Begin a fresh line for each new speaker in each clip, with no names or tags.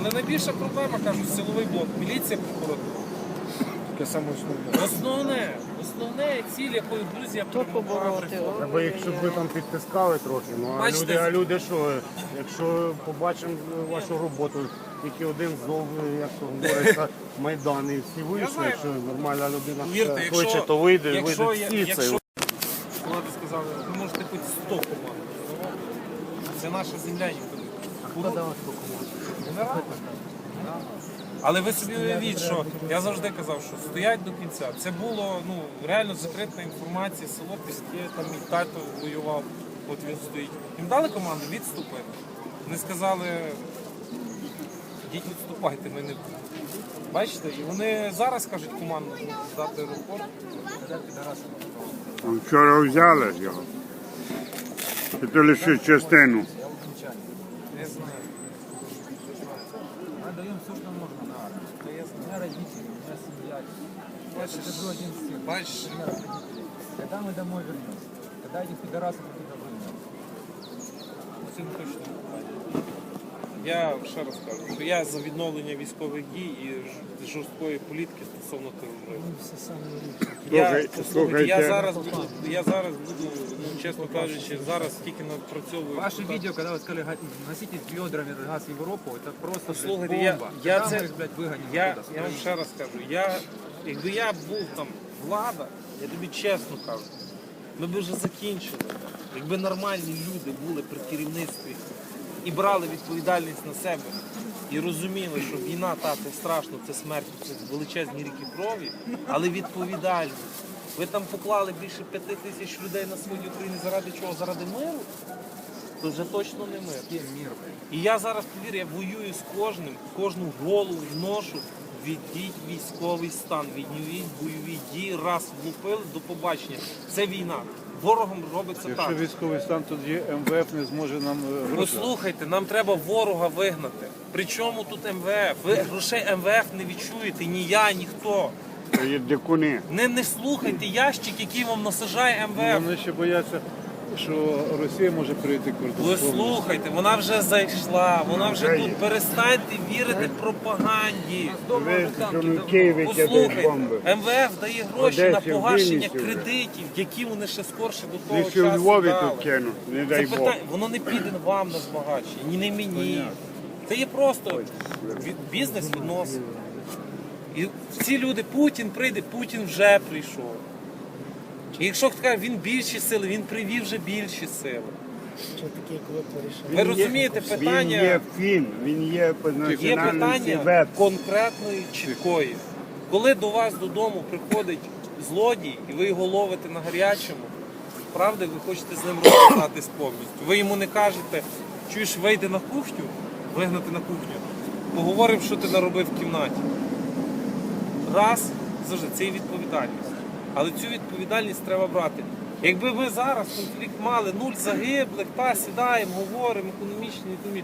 Але найбільша проблема, кажуть, силовий блок, міліція, прокуратура.
Таке саме основне.
Основне ціль, якої Грузія перемогла.
Треба їх, щоб ви там підтискали трохи. Ну, а люди що, якщо побачимо вашу роботу, тільки один зов, як то говориться, Майдан, і всі вийшли, якщо нормальна людина хоче, то вийде всі це.
Влади сказали, ви можете хоч 100 команд. Це наша земля, ніхто не. А хто дав 100 команд? Але ви собі уявіть, що я завжди казав, що стоять до кінця. Це було реально закрита інформація, село Піски, там мій тато воював, от він стоїть. Їм дали команду відступити. Вони сказали, ідіть відступайте, ми не будемо. Бачите, і вони зараз кажуть команду здати аеропорт.
Вчора взяли його. Це лише частину.
Не знаю.
Даем все, что можно на армию. У меня родители, у меня семья. Это же один сын.
Бачиш,
У меня родители. Когда мы домой вернемся? Когда этих пидорасов оттуда выгонят?
цим точно. Я ще раз кажу, що я за відновлення військових дій і жорсткої політики стосовно тероризму. Я зараз буду, чесно кажучи, зараз тільки напрацьовую.
Ваши видео, когда вы сказали, носите с ведрами газ в Европу, это просто
Слухайте,
бомба.
я
вам
ще раз кажу, якби я був там влада, я тобі чесно кажу, ми б вже закінчили. Якби нормальні люди були при керівництві і брали відповідальність на себе, і розуміли, що війна, це страшно, це смерть, це величезні ріки крові, але відповідальність. Ви там поклали більше 5 тисяч людей на сході України заради чого? Заради миру? То вже точно не мир. І я зараз, повір, я воюю з кожним, кожну голову вношу, віддіть військовий стан, відновіть бойові дії, раз влупили, до побачення. Це війна. Ворогом робиться так.
Якщо військовий стан, тоді МВФ не зможе нам гроші.
Послухайте, нам треба ворога вигнати. Причому тут МВФ? Ви грошей МВФ не відчуєте, ні я, ніхто.
Це є дикуни.
Не слухайте ящик, який вам насажає МВФ.
Вони ще бояться, що Росія може перейти кордон.
Ви слухайте, вона вже зайшла, вона вже тут. Перестаньте вірити пропаганді. Послухайте, МВФ дає гроші на погашення кредитів, які вони ще скорше до того
Якщо в
часу
Львові
дали.
тут кинуть, не
Це
дай Бог.
питання, воно не піде вам на збагачення, ні не мені. Це є просто бізнес відносин. І ці люди, Путін прийде, Путін вже прийшов. І якщо хто каже, він більші сили, він привів вже більші сили. Ви розумієте питання?
Він є фін, він є по
Є
національності
питання конкретної, чіткої. Коли до вас додому приходить злодій, і ви його ловите на гарячому, правда, ви хочете з ним розібратись повністю. Ви йому не кажете, чуєш, вийди на кухню, вигнати на кухню, поговоримо, що ти наробив в кімнаті. Раз, завжди, це і відповідальність. Але цю відповідальність треба брати. Якби ми зараз конфлікт мали 0 загиблих, сідаємо, говоримо, економічні,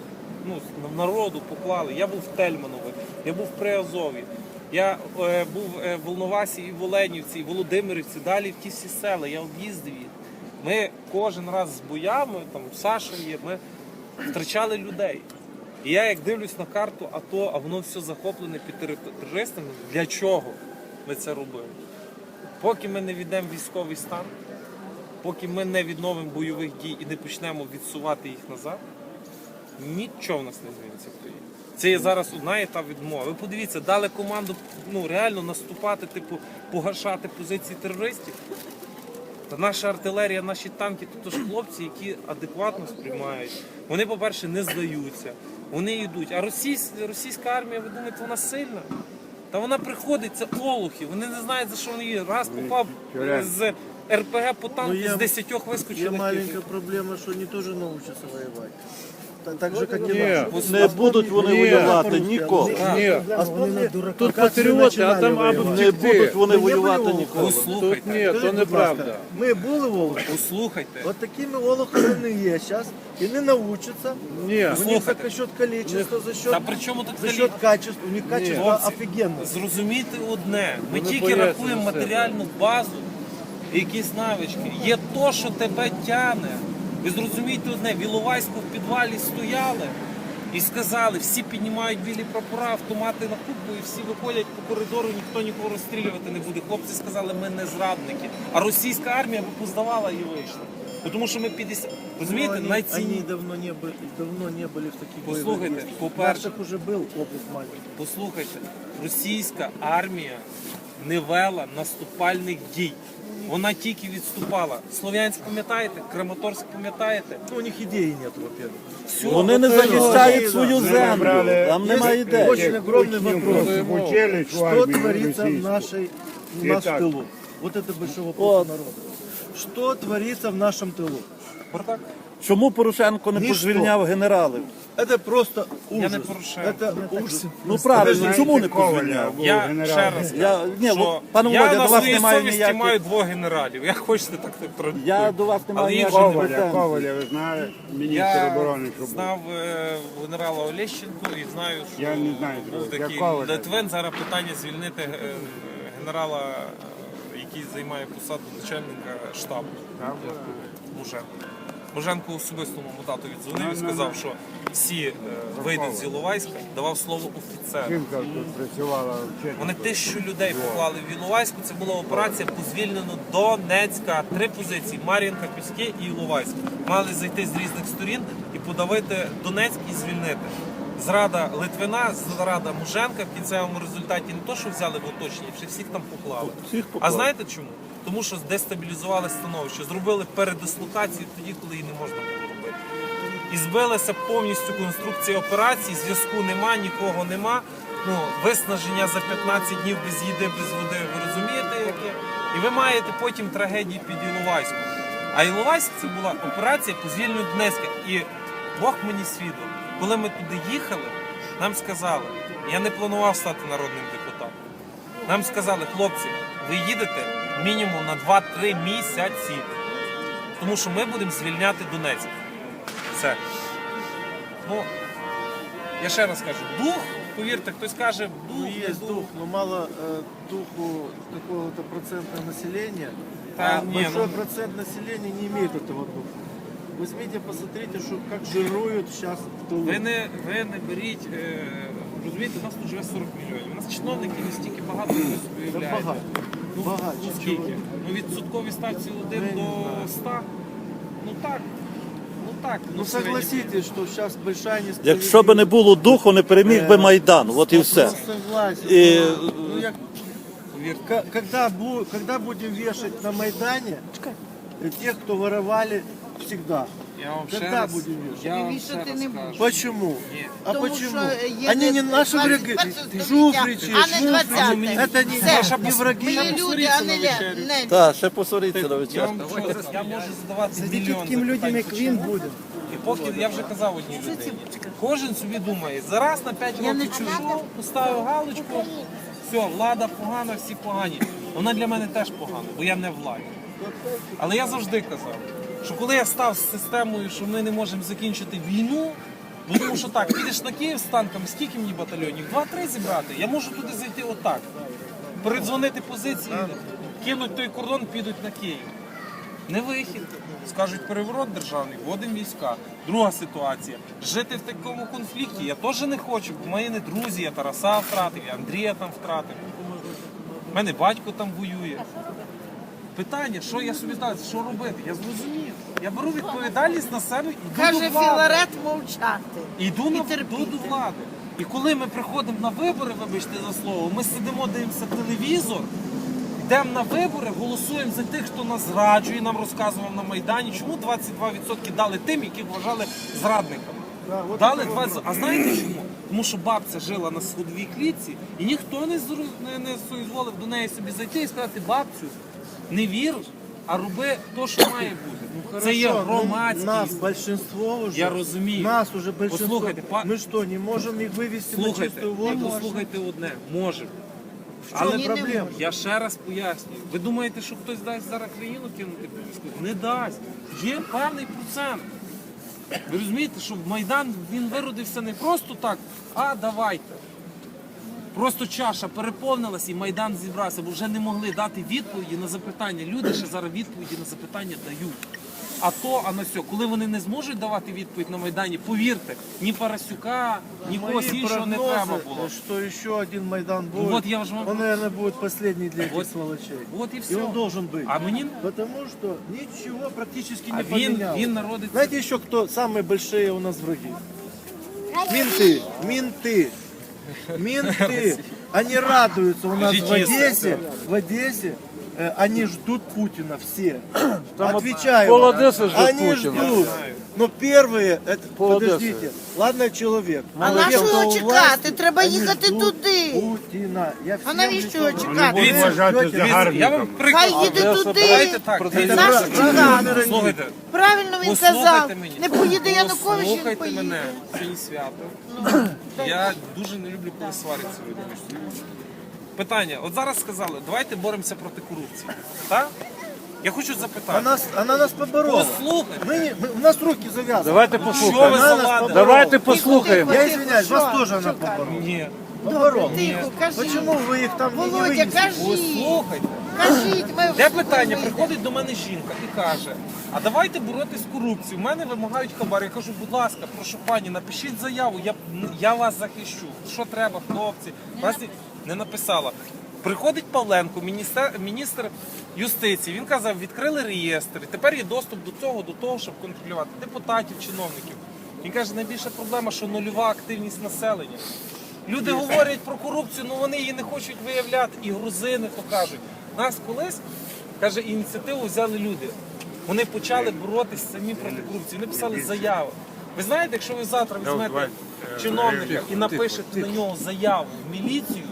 народу поклали. Я був в Тельманові, я був в Приазові, я був в Волновасі і в Оленівці, і в Володимирівці, далі в ті всі села, я об'їздив їх. Ми кожен раз з боями, там Саша є, ми втрачали людей. І я як дивлюсь на карту АТО, а воно все захоплене під терористами, для чого ми це робимо? Поки ми не віддаємо військовий стан, поки ми не відновимо бойових дій і не почнемо відсувати їх назад, нічого в нас не зміниться в країні. Це є зараз одна етап відмови. Ви подивіться, дали команду реально наступати, погашати позиції терористів. Та наша артилерія, наші танки, то ж хлопці, які адекватно сприймають. Вони, по-перше, не здаються, вони йдуть. А російська армія, ви думаєте, вона сильна? Та вона приходить, це олухи, вони не знають, за що вони є. Раз попав з РПГ по танку, з 10 вискочили.
Є маленька проблема, що вони теж навчаться воювати. Так же, як і
Ні,
наші.
не будуть вони воювати ніколи. Ні, тут патріоти, а там або не будуть вони воювати ніколи.
Послухайте,
Ні, то неправда.
Ми були волохи.
послухайте.
От такими волохами вони є зараз. І не навчаться.
Ні,
У них за счет количества, за счет,
Та при чому тут
за счет качества. У них качество
Хлопці,
офігенне.
зрозумійте одне, ми
Вони
тільки
бояться
рахуємо
за себе.
матеріальну базу, якісь навички. Є то, що тебе тягне. Ви зрозумієте одне, в Іловайську в підвалі стояли, І сказали, всі піднімають білі прапора, автомати на кубку, і всі виходять по коридору, ніхто нікого розстрілювати не буде. Хлопці сказали, ми не зрадники. А російська армія би поздавала і вийшла. Бо тому що ми 50... Розумієте,
Они
найцінні...
давно не были в таких
Послухайте,
боевых действиях.
по-перше,
Наших уже был опыт маленький.
Послухайте, російська армія не вела наступальних дій. Вона тільки відступала. Слов'янськ пам'ятаєте? Краматорськ пам'ятаєте?
Ну, у них идеи нет, во-первых.
Все,
Вони не захищають свою землю, там немає ідей.
Очень огромный вопрос.
Учились в
Что
армії
творится в
російській.
у нас в
Итак.
тылу? Вот это большой вопрос народа. Что творится в нашем тылу?
Бардак.
Чому Порошенко не
Ніщо.
позвільняв генералів?
Это просто ужас.
не Порошенко.
Это ужас.
Ну правильно,
Знаєте,
чому не
Коваля
позвільняв?
був
Я
генерал.
ще раз
Я, ні,
що
пане
я
Володя,
на
до вас
своїй
немає
совісті
ніяких...
маю 2 генералів. Як хочете, так трактуйте.
Я до вас не маю
Але їх
ніяких
же не
претензій.
Коваля, ви знаєте, міністр
Я
оборони, що був.
знав генерала Олещенко і знаю, що
Я не знаю,
був
я
такий
Коваля.
Литвин. Зараз питання звільнити генерала, який займає посаду начальника штабу. Муженко. Муженко особисто моєму тату віддзвонив і сказав, що всі вийдуть з Іловайська, давав слово офіцеру.
Жінка тут працювала вчителем.
Вони 1000 людей поклали в Іловайську. Це була операція по звільненню Донецька. 3 позиції: Мар'їнка, Піски і Іловайськ. Мали зайти з різних сторін і подавити Донецьк і звільнити. Зрада Литвина, зрада Муженка в кінцевому результаті не то, що взяли в оточення, ще всіх там поклали.
Всіх
А
поклали.
знаєте чому? Тому що дестабілізували становище, зробили передислокацію тоді, коли її не можна було робити. І збилася повністю конструкція операції, зв'язку нема, нікого нема. Ну, виснаження за 15 днів без їди, без води, ви розумієте яке? І ви маєте потім трагедії під Іловайськом. А Іловайськ це була операція по звільненню Донецька. І Бог мені свідок, коли ми туди їхали, нам сказали, я не планував стати народним депутатом. Нам сказали, хлопці, ви їдете мінімум на 2-3 місяці, тому що ми будемо звільняти Донецьк. Все. Ну, я ще раз кажу, дух, повірте, хтось каже, дух,
Ну,
не
есть дух, но мало духу какого-то процента населения,
Да,
а
не,
большой
ну-
процент населения не имеет этого духа. Возьмите, посмотрите, что, как жируют сейчас в тылу.
Ви не беріть, розумієте, у нас тут живе 40 мільйонів. У нас чиновників настільки багато, як ви собі
Да
уявляєте.
багато.
Ну,
Багато.
ну скільки? Ну відсоткові ставці 1
Ну, я не
до
знаю.
100. Ну так. Ну так.
Ну
в середньому.
согласитесь, что сейчас большая несправедливость.
Якщо б не було духу, не переміг би Майдан, от і все.
Ну, согласен.
И-
Ну, когда будем вешать на Майдане тех, кто воровали всегда?
Я вам ще
Когда
раз,
будем вешать?
я вам
Вішати
ще раз
не
кажу.
будеш.
Почему?
Ні.
А
Тому
почему?
що є
Они не наши
21
враги.
століття,
Жуфричи,
а не 20-те.
Это
Все.
не враги.
Ми люди, а не
Так, ще посоріться на
Я
вечір.
вам я можу задавати мільйон
людям, як він
запитань.
буде.
І поки я вже казав одній людині, кожен собі думає, зараз на 5 років чужу, поставив галочку, все, влада погана, всі погані. Вона для мене теж погана, бо я не владі. Але я завжди казав, що коли я став з системою, що ми не можемо закінчити війну, бо тому що так, підеш на Київ з танками, скільки мені батальйонів? 2-3 зібрати, я можу туди зайти отак. Передзвонити позиції, кинуть той кордон, підуть на Київ. Не вихід. Скажуть, переворот державний, вводимо війська. Друга ситуація. Жити в такому конфлікті я теж не хочу, бо мої не друзі, я Тараса втратив, я Андрія там втратив. У мене батько там воює. Питання, що я собі ставлю, що робити? Я зрозумів. Я беру відповідальність на себе і йду
Каже
до влади.
Філарет мовчати.
Йду
І
йду
терпіти.
до влади. І коли ми приходимо на вибори, вибачте за слово, ми сидимо, дивимося телевізор, йдемо на вибори, голосуємо за тих, хто нас зраджує, нам розказував на Майдані, чому 22% дали тим, яких вважали зрадниками. Дали 20%. А знаєте чому? Тому що бабця жила на сходовій клітці, і ніхто не соізволив до неї собі зайти і сказати, бабцю, не вір, а роби те, що має бути. Це є
Хорошо, ну,
громадськість.
нас большинство уже.
Я розумію.
Нас уже большинство.
Послухайте,
Мы что, не можем их вывести на
Слухайте,
чистую воду?
послухайте одне, можемо.
В чому
Але
проблема?
я ще раз пояснюю. Ви думаєте, що хтось дасть зараз країну кинути під військових? Не дасть. Є певний процент. Ви розумієте, що Майдан він виродився не просто так, а давайте. Просто чаша переповнилася і Майдан зібрався, бо вже не могли дати відповіді на запитання. Люди ще зараз відповіді на запитання дають. а то, а на сьо. Коли вони не зможуть давати відповідь на Майдані, повірте, ні Парасюка, ні когось
Мои
іншого не треба було.
прогнозы, что еще один Майдан будет,
Вот я же вам-
он, наверное, будет последний для этих
Вот.
сволочей.
От і
И
все.
он должен быть.
А мені
Потому что ничего практически
а
не
він
поменялось.
народиться.
Знаете еще кто самые большие у нас враги? Менты, менты, менты. Они радуются у нас в Одессе. Они ждут Путина все. Отвечаю.
пол
вам.
Одессы ждут
Они
Путина.
ждут. Но первые, это,
Пол
подождите, ладно, человек.
А
но
на
те,
що
кто у
чекати?
власти,
Треба
они
їхати
ждут
туди.
Путіна. Я
А
всім
навіщо
говорю.
чекати?
Дивіться,
Вважати
Дивіться,
Я вам
загарбником.
приклад.
Хай їде
Давайте
туди.
так.
Наш чекати.
Слухайте,
Правильно він
послухайте
казав.
мені.
Не поїде Янукович, він
Послухайте
поїде.
мене. Сьогодні свято. Я дуже не люблю, коли сваряться люди між собою. Питання. От зараз сказали, давайте боремося проти корупції. Так? Я хочу запитати.
Она нас поборола.
Послухайте.
У нас руки завязаны.
Давайте
Що ви
послухаємо.
заладили?
Давайте послухаємо.
Я извиняюсь, вас тоже она поборола.
Ні.
Поборола.
Тихо, кажіть.
Почему вы их там не
Володя,
вынесли?
кажіть.
Послухайте.
Кажіть, ми
Де питання? Приходить до мене жінка і каже, а давайте боротись з корупцією. У мене вимагають хабар. Я кажу, будь ласка, прошу пані, напишіть заяву, я вас захищу. Що треба, хлопці? Вас не написала. Приходить Павленко, міністр юстиції. Він казав, відкрили реєстр. І тепер є доступ до того, щоб контролювати депутатів, чиновників. Він каже, найбільша проблема, що нульова активність населення. Люди говорять про корупцію, але вони її не хочуть виявляти. І грузини то кажуть. Нас колись, каже, ініціативу взяли люди. Вони почали боротися самі проти корупції. Вони писали заяви. Ви знаєте, якщо ви завтра візьмете чиновника і напишете на нього заяву в міліцію,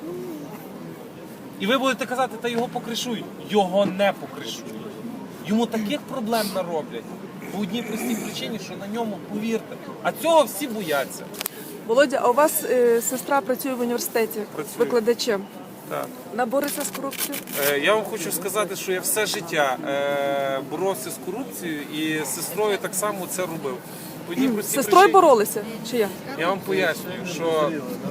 і ви будете казати, та його покришують. Його не покришують. Йому таких проблем нароблять. По одній простій причині, що на ньому, повірте. А цього всі бояться.
Володя, а у вас сестра працює в університеті
Працює.
викладачем.
Так.
Вона бореться з корупцією?
Я вам хочу сказати, що я все життя боровся з корупцією і з сестрою так само це робив. По одній
З
простій
сестрою
причині.
боролися? Чи як?
Я вам пояснюю, що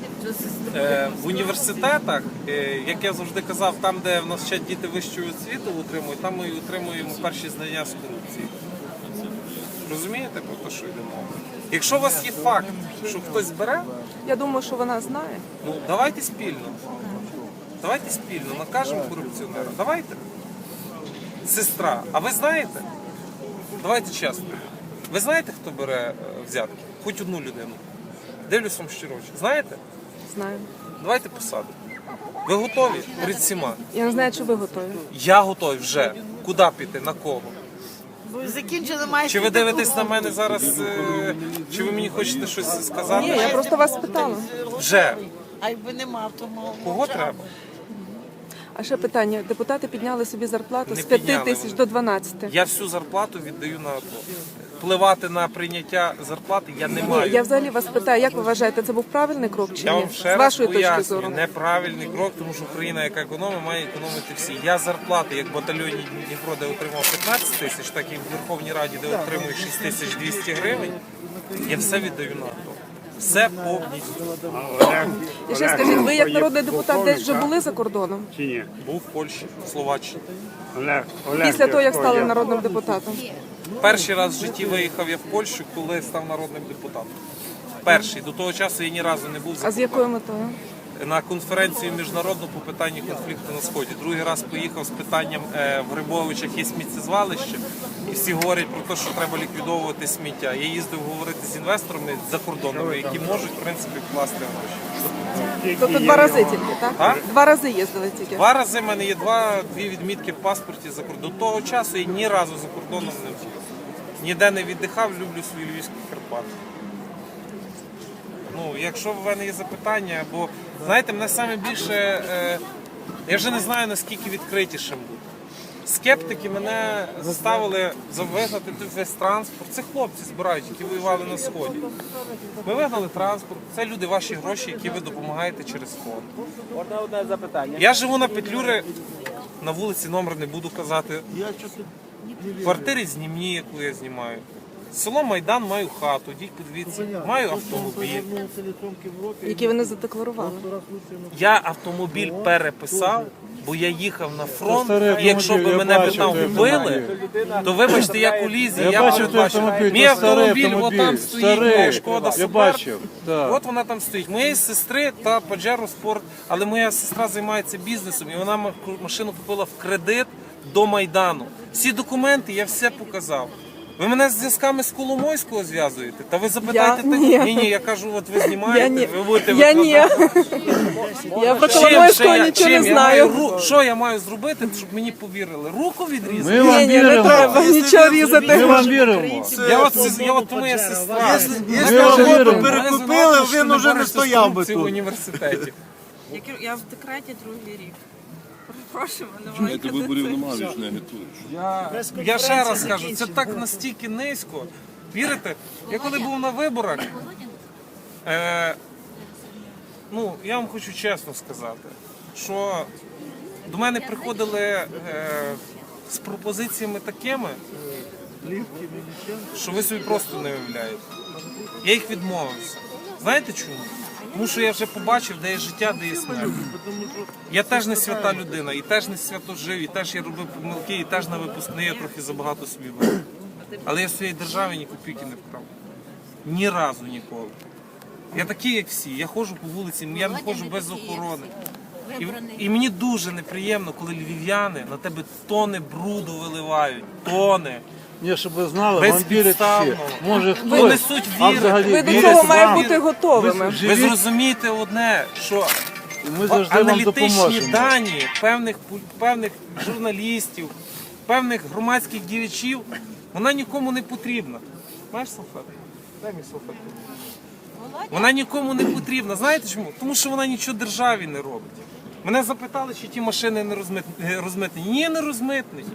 в університетах, як я завжди казав, там, де в нас вчать діти вищої освіти отримують, там ми отримуємо перші знання з корупції. Розумієте про те, що йде мова? Якщо у вас є факт, що хтось бере,
Я думаю, що вона знає.
ну давайте спільно. Давайте спільно накажемо корупціонера. Давайте. Сестра, а ви знаєте? Давайте чесно. Ви знаєте, хто бере взятки? Хоч одну людину. Дивлюсь вам щиро. Знаєте?
Знаю.
Давайте посадимо. Ви готові перед всіма?
Я не знаю, чи ви готові.
Я готовий вже. Куди піти? На кого?
Ви закінчили майже.
Чи ви дивитесь на мене зараз? Чи ви мені хочете щось сказати?
Ні, я просто вас питала.
Вже.
А якби нема, то
Кого треба?
А ще питання. Депутати підняли собі зарплату
Не
з 5
підняли
тисяч
вони.
до 12.
Я всю зарплату віддаю на АТО. Впливати на прийняття зарплати я не
Ні,
маю.
я взагалі вас питаю, як ви вважаєте, це був правильний крок чи
Я
ні?
вам ще
З
раз
вашої точки
пояснюю,
зору.
неправильний крок, тому що Україна, яка економить, має економити всі. Я зарплати, як в батальйоні Дніпро, де отримав 15 тисяч, так і в Верховній Раді, де отримую 6200 гривень, я все віддаю на АТО. Все повністю.
І ще скажіть, ви як народний депутат десь вже були за кордоном?
Чи ні?
Був в Польщі, в Словаччині.
Олег,
Після того, як
хто
стали
є?
народним депутатом?
Перший раз в житті виїхав я в Польщу, коли став народним депутатом. Перший. До того часу я ні разу не був за
А з якою метою?
на конференцію міжнародну по питанню конфлікту на Сході. Другий раз поїхав з питанням в Грибовичах є сміттєзвалище, і всі говорять про те, що треба ліквідовувати сміття. Я їздив говорити з інвесторами закордонними, які можуть, в принципі, вкласти гроші.
Тобто 2 рази тільки, так?
А?
2 рази їздили тільки.
2 рази в мене є дві відмітки в паспорті за кордон. До того часу я ні разу за кордоном не був. Ніде не віддихав, люблю свої львівські Карпати. Ну, якщо в мене є запитання, бо, знаєте, мене саме більше, я вже не знаю, наскільки відкритішим бути. Скептики мене заставили вигнати весь транспорт. Це хлопці збирають, які воювали на Сході. Ми вигнали транспорт, це люди, ваші гроші, які ви допомагаєте через фонд.
Можна одне запитання?
Я живу на Петлюри, на вулиці номер не буду казати. В квартирі знімні, яку я знімаю. Село Майдан, маю хату, йдіть подивіться, маю автомобіль.
Які вони задекларували.
Я автомобіль переписав, бо я їхав на фронт,
старий
і якщо б
автомобіль,
мене
я
б
бачив
там
той
вбили, то вибачте, я колізія, я
бачив той
передбачив.
автомобіль,
Мій
то старий
автомобіль,
автомобіль,
отам стоїть,
старий.
моя Шкода
Я
Суперб.
бачив, так.
От вона там стоїть. Моєї сестри та Pajero Sport, але моя сестра займається бізнесом, і вона машину купила в кредит до Майдану. Всі документи я все показав. Ви мене з зв'язками з Коломойського зв'язуєте? Та ви запитайте
ні.
Ні, я кажу, от ви
Я
знімаєте,
ні.
ви будете
Я ні. Я про Коломойського нічого не знаю.
Що я маю зробити, щоб мені повірили? Руку відрізати?
Ми вам
Ні, не
віримо.
треба нічого
Ми
різати.
вам віримо.
Я от тому я сестра.
Якщо
вам
роботу
віримо.
перекупили, він уже не стояв би
в
тут.
університеті.
Я в декреті другий рік. Перепрошую, мене маленька дитина.
Я ще раз кажу, це так настільки низько. Вірите? Я коли був на виборах, ну, я вам хочу чесно сказати, що до мене приходили з пропозиціями такими, що ви собі просто не уявляєте. Я їх відмовився. Знаєте чому? Тому що я вже побачив, де є життя, де є смерть. Я теж не свята людина, і теж не свято жив, і теж я робив помилки, і теж на випускний я трохи забагато собі брав. Але я в своїй державі ні копійки не вкрав. Ні разу ніколи. Я такий, як всі. Я ходжу по вулиці, я не ходжу без охорони. І мені дуже неприємно, коли львів'яни на тебе тони бруду виливають. Тони.
Ні, щоб ви знали, вам вірять всі.
Безпідставно.
Може
Ви
хтось,
несуть
а
віри.
взагалі
Ви до
вірять
цього
вам.
маєте бути готовими.
Ви
Живіть,
зрозумієте одне, що
і ми завжди вам
аналітичні
допоможемо.
дані певних журналістів, певних громадських діячів, вона нікому не потрібна. Знаєш, салфетку? Дай мені салфетку. Вона нікому не потрібна. Знаєте чому? Тому що вона нічого державі не робить. Мене запитали, чи ті машини не розмитнені. Ні, не розмитнені.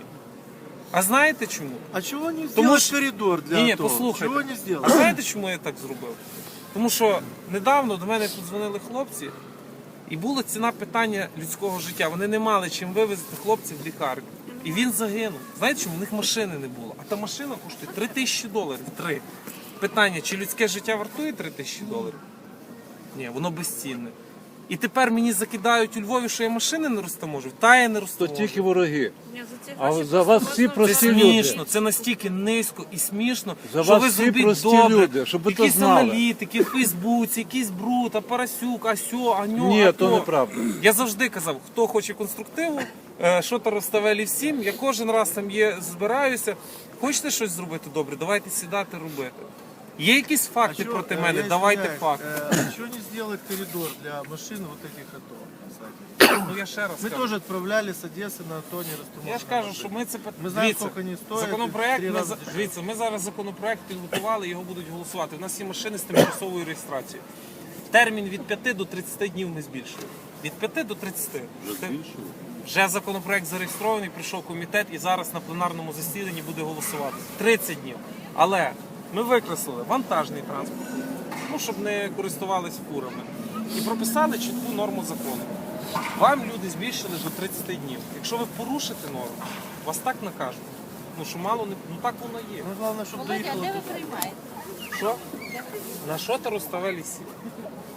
А знаєте чому?
А чего не
Тому
сделать
що-
коридор для
Ні,
авто?
послухайте.
Чего не
А
сделать?
знаєте, чому я так зробив? Тому що недавно до мене подзвонили хлопці, і була ціна питання людського життя. Вони не мали чим вивезти хлопців в лікарню. І він загинув. Знаєте чому? У них машини не було. А та машина коштує $3000. 3. Питання, чи людське життя вартує $3000? Ні, воно безцінне. І тепер мені закидають у Львові, що я машини не розтаможу. Та я не
То
розтаможу.
тільки вороги.
Ні, за ці
А
гроші
за вас всі
Це
прості люди.
смішно, це настільки низько і смішно,
За
що
вас
ви
всі
зробіть
прості
добре.
люди, щоб ви то
Якісь
знали.
аналітики в Фейсбуці, якийсь бруд, а Парасюк, а сьо, а ньо,
Ні,
а
то неправда.
Я завжди казав, хто хоче конструктиву, що то розставелі всім, я кожен раз там збираюся. Хочете щось зробити добре, давайте сідати робити. Є якісь факти проти мене, давайте факти.
Чего не сделать коридор для машин вот этих АТО?
Ну я ще раз
Мы
кажу.
тоже отправляли с Одессы на АТО не растаможенные
Я ж кажу,
машины.
що ми це
Ми знаємо,
дивіться,
скільки вони стоять,
законопроект.
в 3 рази дешевше.
Дивіться, ми зараз законопроект підготували, його будуть голосувати. У нас є машини з тимчасовою реєстрацією. Термін від 5 до 30 днів ми збільшуємо. Від 5 до 30. Вже законопроект зареєстрований, прийшов комітет і зараз на пленарному засіданні буде голосувати. 30 днів. Але ми викреслили вантажний транспорт, ну, щоб не користувались фурами. І прописали чітку норму закону. Вам люди збільшили до 30 днів. Якщо ви порушите норму, вас так накажуть. Ну що мало не. Ну так воно є.
Ну, главное, чтобы доехало.
Що? На що ти розставили сі?